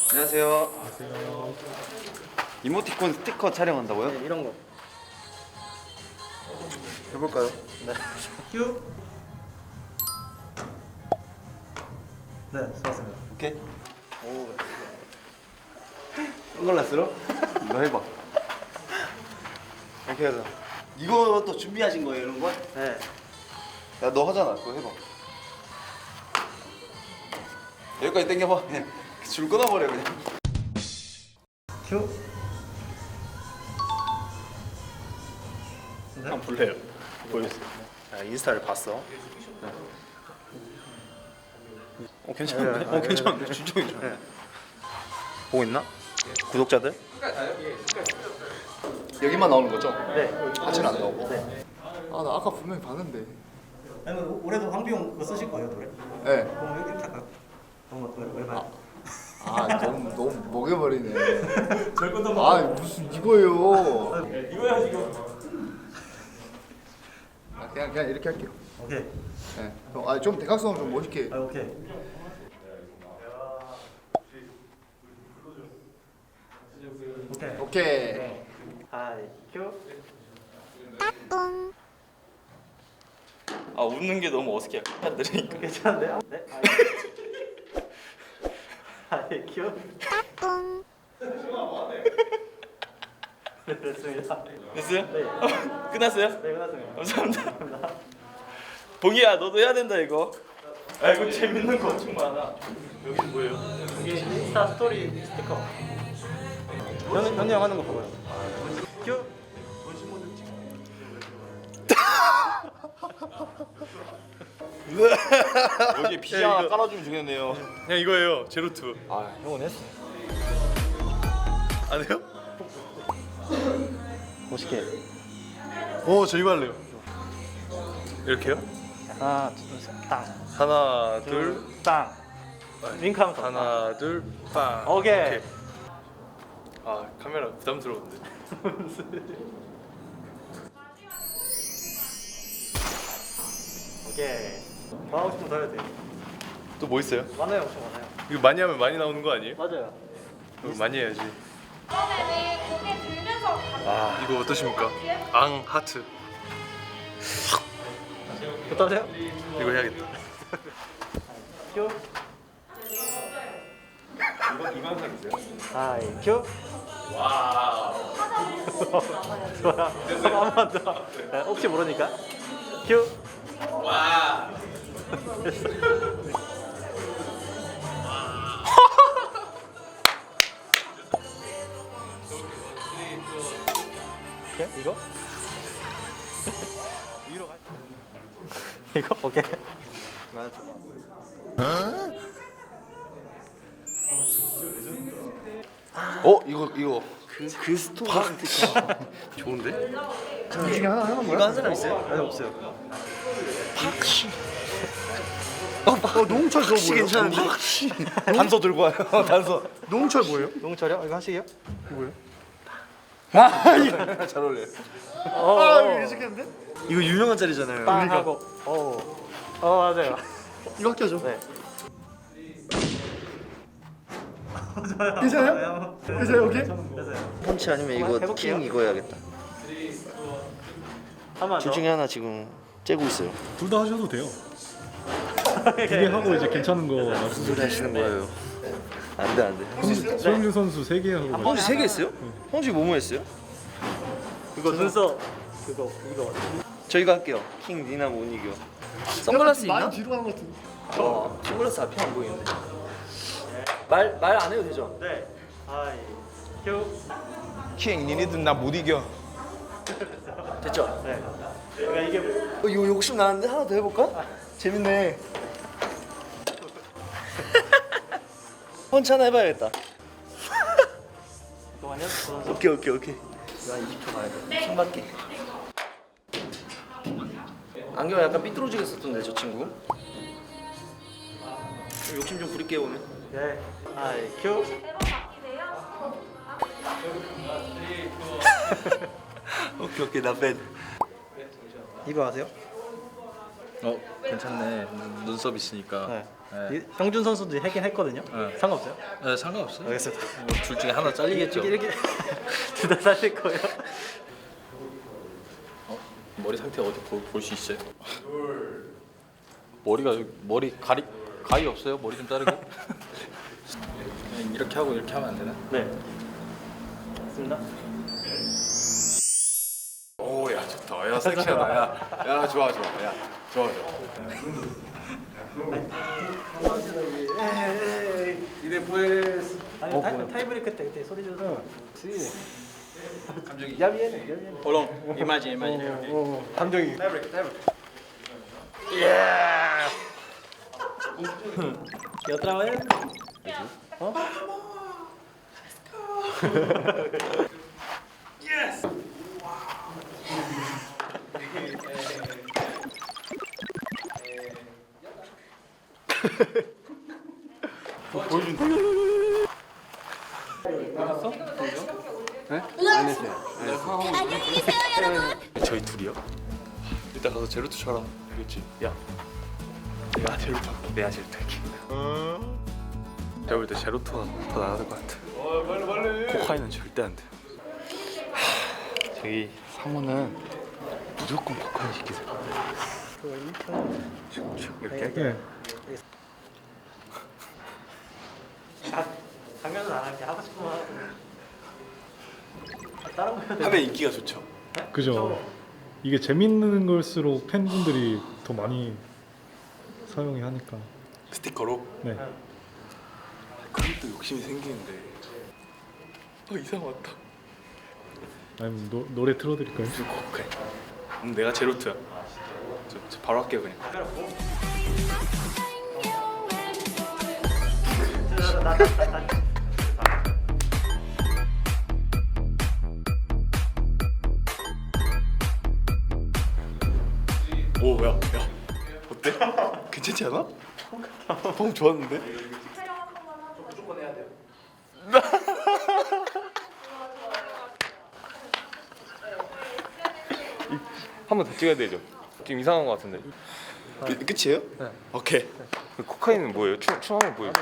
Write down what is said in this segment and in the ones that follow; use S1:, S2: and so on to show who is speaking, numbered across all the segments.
S1: 안녕하세요.
S2: 안녕하세요.
S1: 이모티콘 스티커 촬영한다고요?
S3: 네, 이런 거.
S1: 해볼까요?
S3: 네. 큐. 네, 수고하셨습니다.
S1: 오케이.
S3: 오.
S1: 선글라스로? 너 해봐. 이렇게 하자. 이거 또 준비하신 거예요, 이런 거?
S3: 네.
S1: 야, 너 하잖아. 그거 해봐. 여기까지 당겨봐. 그냥 줄 끊어버려 그냥.
S3: 큐. 네.
S2: 한번 볼래요? 보여주세요. 아, 인스타를 봤어. 괜찮은데? 괜찮은데? 진짜 괜찮은데? 보고 있나? 구독자들?
S1: 여기만 나오는 거죠?
S3: 네.
S1: 하체는 안 나오고.
S3: 네.
S1: 아, 나 아까 분명히 봤는데.
S3: 아니, 뭐 올해도 황비용 그거 쓰실 거예요, 노래?
S1: 네.
S3: 그럼 여기 이렇게 할까요? 그럼 얼마?
S1: 아, 너무 먹여버리네. 아, 무슨 이거예요?
S3: 이거야 지금.
S1: 아, 그냥 이렇게 할게요.
S3: 오케이.
S1: 네. 아, 좀 대각선으로 좀 멋있게.
S3: 아, 오케이. 오케이.
S1: 오케이.
S3: 하이 큐.
S2: 아, 웃는 게 너무 어색해. 들으니까.
S3: 괜찮은데요? 네. 하이 큐. 네, 됐습니다.
S2: 됐어요?
S3: 네.
S2: 끝났어요?
S3: 네, 끝났습니다.
S2: 감사합니다. 봉이야, 너도 해야 된다 이거. 아, 이거 재밌는 거 엄청 많아. 여기는 뭐예요?
S3: 이게 인스타 스토리 스티커. 현이 형 하는 거 봐봐요. 큐.
S2: 여기 피자 하나 깔아주면 좋겠네요. 그냥 이거예요. 제로투.
S3: 아, 형은 했어.
S2: 안 해요?
S3: 멋있게.
S2: 저 이거 할래요. 이렇게요?
S3: 하나, 둘, 셋, 땅.
S2: 하나, 둘,
S3: 땅. 윙크하면 더.
S2: 하나, 둘, 빵.
S3: 오케이.
S2: 아, 카메라 부담스러운데.
S3: 오케이. 더 하고 싶으면 더 해도 돼요.
S2: 또 뭐 있어요?
S3: 많아요, 엄청 많아요.
S2: 이거 많이 하면 많이 나오는 거 아니에요?
S3: 맞아요.
S2: 이거 많이 해야지.
S4: 네, 고개 들면서
S2: 아, 이거 어떠십니까? 앙 하트.
S3: 어떠세요?
S2: 이거 해야겠다.
S3: 큐.
S2: 이거 항상이세요?
S3: 하이 큐.
S2: 와우.
S3: 좋아. 한번 더. 네, 혹시 모르니까. 큐.
S2: 와.
S3: 오케이, 이거? 위로 가. 이거? 오케이.
S1: 이거. 그 스토리.
S2: 좋은데?
S1: 이 중에 하나 하는 거야?
S3: 이거 한 사람 있어요? 아니, 없어요.
S1: 박씨. 노홍철 그거 뭐예요?
S2: 괜찮은데?
S1: 박씨.
S2: 단서 들고 와요. 단서.
S1: 노홍철 뭐예요?
S3: 농철이요? 이거 하시게요?
S1: 잘 어울려요.
S3: 어.
S1: 익숙했는데?
S3: 이거 유명한 자리잖아요. 빵 하고. 맞아요.
S1: 이거 껴줘.
S3: 네.
S1: 괜찮아요? 괜찮아요? 오케이?
S3: 됐어요.
S5: 펀치 아니면 이거
S3: 해볼게요.
S5: 킹 이거 해야겠다.
S3: 한번
S5: 둘 중에 하나 지금 째고 있어요.
S2: 둘 다 하셔도 돼요. 두 개 하고 이제 괜찮은 거
S5: 무슨
S2: 말씀.
S5: 소리 하시는 거예요? 안돼 안돼.
S2: 소영준 선수 3개 하고.
S5: 홍지 3개 했어요? 홍지 뭐뭐 했어요?
S3: 그거 눈썹 그거 이거.
S5: 저희가 할게요. 킹 니나 못 이겨. 선글라스 있나?
S1: 많이 뒤로 가는 것 같은데.
S5: 선글라스 앞이 안 보이는데. 말 안 해도 되죠?
S3: 네. 하이 큐.
S2: 킹, 니네들 나 못 이겨.
S5: 됐죠?
S3: 네. 그러니까 이게
S5: 이거 욕심 나는데 하나 더 해볼까? 재밌네. 펀치 하나 해봐야겠다.
S3: 잠깐만요.
S5: 오케이. 이거 한 20초 가야 돼. 침 맞게. 안경 약간 삐뚤어지겠었던데 저 친구. 욕심 좀 부릴게요 오늘.
S3: 네. 하이 큐.
S4: 매번 바뀌세요.
S5: 오케이 나 뺀.
S3: 이거 아세요?
S2: 괜찮네. 눈썹 있으니까.
S3: 네. 형준 선수도 하긴 했거든요.
S5: 네.
S3: 상관없어요?
S5: 네, 상관없어요.
S3: 알겠습니다.
S5: 둘 중에 하나 잘리겠죠.
S3: 이렇게 둘 다 살릴 거예요.
S2: 머리 상태 어디 볼 수 있어요? 머리 가위 없어요? 머리 좀 자르게. 그냥 이렇게 하고 이렇게 하면 안 되나?
S3: 네. 맞습니다.
S1: 오야 좋다. 야 섹시하다. 야 좋아. 야 좋아.
S3: 이래 보여스. 아니 타이브레이크 때 그때 소리 줘서.
S1: 감정이.
S2: Hold on. Imagine.
S3: 감정이. ¿Y otra vez? ¿Oh?
S2: 저희 둘이요? 이따 가서 제로투 쳐라. 알겠지? 야, 내가 제로투 할게. 내가 제로투 할게. 제가 볼 때 제로투가 더 나아야 될 것 같아. 빨리. 코카인은 절대 안 돼. 저기 상호는 무조건 코카인 시키세요. 이렇게?
S3: 당연은 안 할게. 하고 싶으면 하고. 다른 거 해야 돼.
S2: 하면 인기가 좋죠.
S6: 그죠. 이게 재밌는 걸수록 팬분들이 더 많이 사용이 하니까.
S2: 스티커로?
S6: 네.
S2: 그럼 또 욕심이 생기는데. 이상 왔다.
S6: 아니면 노래 틀어드릴까요?
S2: 코카인. 내가 제로투야. 저 바로 할게요 그냥. 오, 야, 어때? 괜찮지 않아? 폼 좋았는데?
S7: 한 번 더 찍어야 되죠. 지금 이상한 것 같은데.
S2: 끝이에요? 네. 오케이.
S7: 그 코카인은 뭐예요? 춤하면 뭐예요?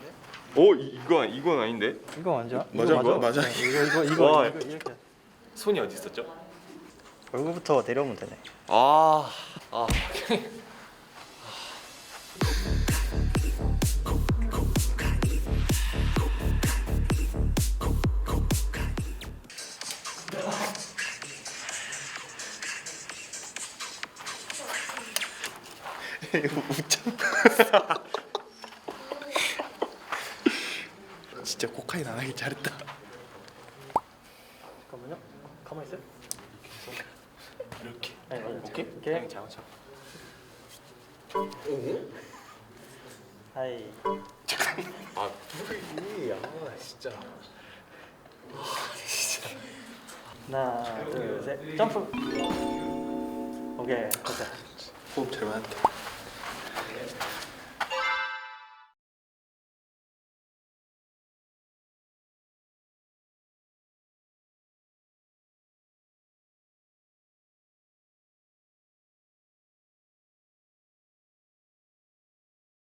S7: 이건 아닌데.
S3: 이거 완전?
S2: 맞아, 맞아.
S7: 와.
S3: 이거 이렇게.
S2: 손이 어디 있었죠?
S3: 얼굴부터 내려오면 되네.
S7: 아.
S2: 이거 웃잖아. 진짜 코카인 안 하길 잘했다.
S3: 잠깐만요. 가만히 있어요.
S2: 이렇게.
S3: 아니 맞아.
S2: 오케이?
S3: 이렇게.
S2: 잡아.
S3: 하이.
S2: 진짜.
S3: 하나, 둘, 셋. 점프. 오케이. 됐다.
S2: 호흡 잘 맞았다.